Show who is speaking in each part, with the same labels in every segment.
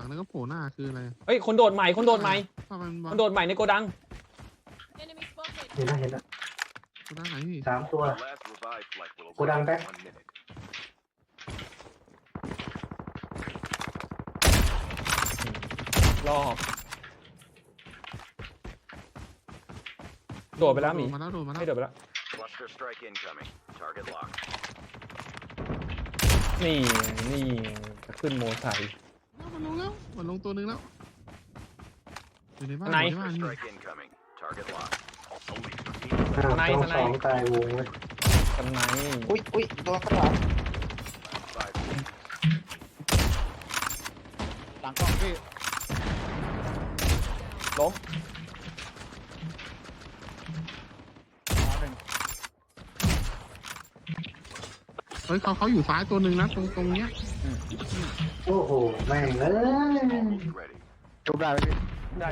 Speaker 1: แล้วก็โผล่หน้าคืออะไร
Speaker 2: เฮ้ยคนโดดใหม่คนโดดใหม่คนโดดใหม่ในโกดัง
Speaker 3: เห็นแล้วเห็นแล้ว
Speaker 1: โกดังไหนพี่
Speaker 3: 3 ตัวโกดังแบ็ค
Speaker 2: รอบโดดไปแล้วหมี
Speaker 1: โดดมาแล้ว
Speaker 2: ไม่โดดไปแล้ว
Speaker 4: Cluster strike incoming. Target locked.
Speaker 2: นี่จะขึ้นโมไซค์
Speaker 1: มันลงตัวนึงแล้วอยู่ในบ้าน
Speaker 2: ไหน
Speaker 1: อยู่ในบ้าน
Speaker 4: Cluster
Speaker 1: นี่
Speaker 4: strike incoming. Target locked. Only
Speaker 3: ต้อง2ตายวงเลย
Speaker 2: กันไหน
Speaker 5: อุ้ยตัวข้างหลัง
Speaker 4: 5
Speaker 5: หลังกล้องพี่
Speaker 2: ล้ม
Speaker 1: เฮ้ยเขาอยู่ซ้ายตัวนึงนะตรงเนี้ย
Speaker 3: โอ้โหแม่งเลย
Speaker 4: almost ready.
Speaker 5: จบได้ไหมพี่
Speaker 2: ได้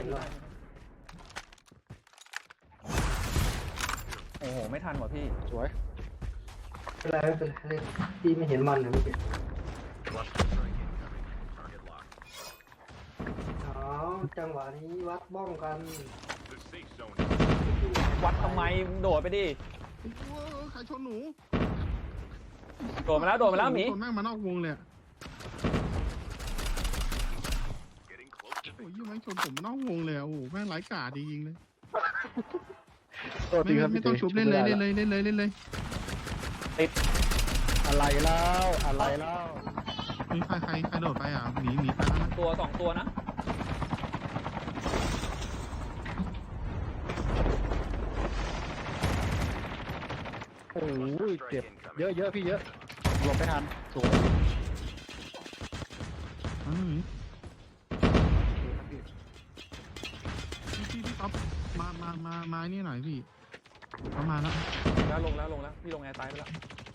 Speaker 2: โอ้โหไม่ทันว่ะพี่
Speaker 5: สวย
Speaker 3: เป็นไรไม่เป็นไรพี่ไม่เห็นมันเลยเมื่อกี้
Speaker 4: Cluster strike incoming. Target locked.
Speaker 3: อ๋อจังหวะนี้วัดบ้องกัน
Speaker 4: The safe zone.
Speaker 2: วัดทำไมโดดไปดิ
Speaker 1: ใครชนหนู
Speaker 2: โดดมาแล้วหมี
Speaker 1: คนแม่งมานอกวงเลย
Speaker 4: Getting close to
Speaker 1: โอ้ยยังไม่ชนผมนอกวงเลยโอ้โหแม่งไร้กาดจริงๆเลย
Speaker 5: ตัวดีครับ
Speaker 1: ไม่ต้องชุบเล่นเลย
Speaker 5: อะไรแล้ว
Speaker 1: มีใครโดดไปอ่ะหนีไปแล้วนะ
Speaker 2: ตัวสองตัวนะ
Speaker 5: โอ้ย
Speaker 4: strike
Speaker 5: เจ็บ
Speaker 4: incoming.
Speaker 5: เยอะพี่เยอะหลบไม่ทันสวย
Speaker 1: พี่ก๊อฟมานี่หน่อยพี่เขามาแล้ว
Speaker 2: ลงแล้วพี่ลงแอร์ตายไปแล้ว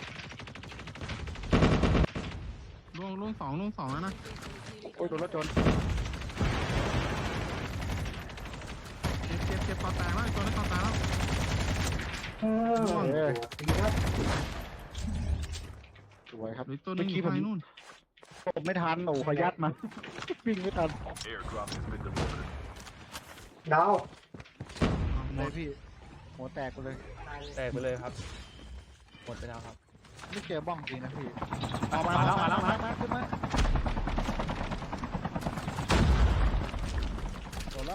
Speaker 1: ล่วงสองแล้วนะ
Speaker 5: โอ้ยโดนรถชน
Speaker 1: เจ็บคอแตกแล้วตัวนั้นคอแตกแล้ว
Speaker 3: ดีครับ
Speaker 5: สวยครับ
Speaker 1: หรือตัวนึงอยู่ไปนู่น
Speaker 5: ผมไม่ทันโอ้ขยัดมาวิ่งไม่ทัน
Speaker 4: Airdrop has been delivered.
Speaker 3: ดาว
Speaker 5: เลยพี่หัวแตกไปเลย
Speaker 2: แตกไปเลยครับหมดไปแล้วครับ
Speaker 5: ไม่เจอบ้องจริงนะพี่
Speaker 2: มาแล้ว
Speaker 5: ขึ้นมาโดนแล้ว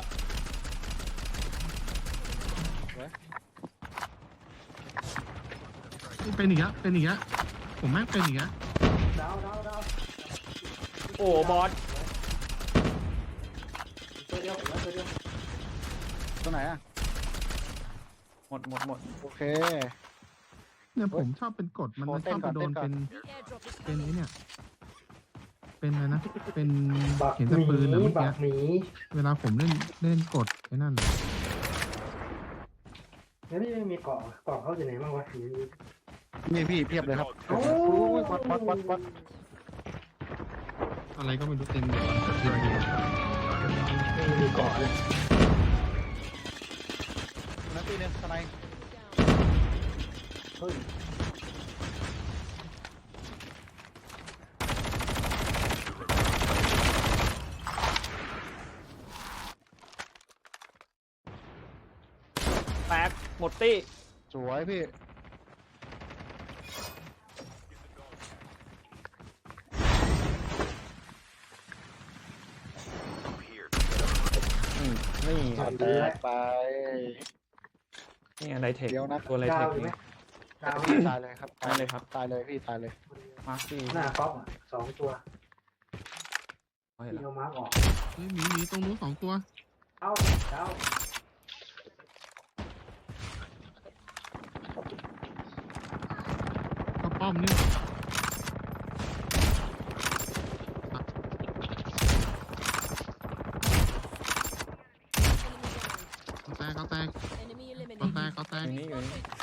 Speaker 1: เป็นอีกแล้วผมแม่งเป็นอีกแล้ว
Speaker 3: ดาว
Speaker 2: โอ้บอส
Speaker 3: ตัวเดียวตัวเดียว
Speaker 5: ตัวไหนอ่ะ
Speaker 2: หมด
Speaker 5: โอเค
Speaker 1: เนี่ยผมชอบเป็นกฎมันชอบไปโดนเป็นไอ้เนี่ยเป็นอะไรนะเป็น
Speaker 3: บัก
Speaker 1: เห็น
Speaker 3: ห
Speaker 1: แต่
Speaker 3: มี
Speaker 1: ปืนนะเมื่อ
Speaker 3: บั
Speaker 1: กี้
Speaker 3: กหมี
Speaker 1: เวลาผมเล่นกดไอ้นั่น
Speaker 3: แล้วนี่ไม่มีเกาะเขาอยู่ไหนบ้างวะ
Speaker 5: นี่พี่เพียบเลยครับ
Speaker 3: โอ้
Speaker 5: ยวัด
Speaker 1: อะไรก็ไม่รู้เต็มเลยเดียว
Speaker 3: ไม่มีเกาะเลย
Speaker 5: นักตีเนี่ยทนาย
Speaker 3: เฮ้ย
Speaker 2: แตกหมดตี้
Speaker 5: สวยพี่
Speaker 4: Here.
Speaker 2: นี่
Speaker 5: แตกไป
Speaker 2: นี่ไดเทค
Speaker 5: เดี๋ยวนะ
Speaker 2: ตัวไดเท
Speaker 3: ดาว
Speaker 2: ค
Speaker 3: อยู่ไหม
Speaker 2: นี่
Speaker 3: ดาว
Speaker 5: ตายเลยครับ
Speaker 2: ตายเลยครับ
Speaker 5: ตายเลยพี่ตายเลย
Speaker 2: มาร์คซี่
Speaker 3: หน้าก๊อฟ2 ตัว
Speaker 2: เห็น
Speaker 3: ที่
Speaker 2: แล้ว
Speaker 3: เอามาร์กออก
Speaker 1: เฮ้ยหมีตรงนู้น2 ตัว
Speaker 3: เอาดาว
Speaker 1: ก็ป้อมนี่เขาแตก
Speaker 2: อยู่นี่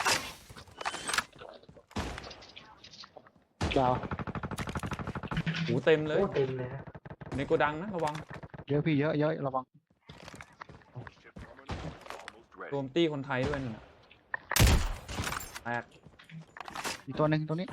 Speaker 5: ดาว
Speaker 2: หูเต็มเลย
Speaker 3: โอ้เต็มเลยนะ
Speaker 2: ในโกดังนะระวัง
Speaker 5: เยอะพี่เยอะระวัง
Speaker 4: Ship terminal almost
Speaker 2: รว
Speaker 4: ready.
Speaker 2: มตี้คนไทยด้วยนี่แตก
Speaker 5: อีกตัวหนึ่งตัวนี้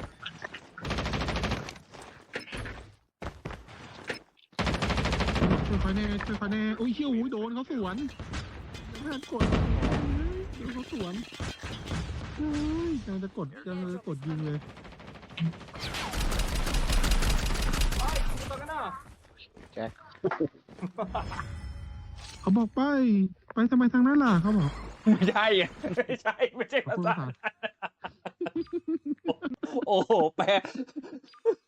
Speaker 1: ช่วยคอยแน่ช่วยคอยแน่อุ้ยเชี่ยวโดนเขาสวนไม่ทันกดโดนเขาสวนเฮ้ยกำลังจะกดยิงเลย
Speaker 5: แจ็ค
Speaker 1: เขาบอกไปทำไมทางนั้นล่ะเขาบอก
Speaker 2: ไม่ใช่อะไม่ใช่ไม่ใช่
Speaker 1: ขอบ
Speaker 2: ภา
Speaker 1: คุณ
Speaker 2: ษา
Speaker 1: ภาษา
Speaker 2: โอ้โหแปล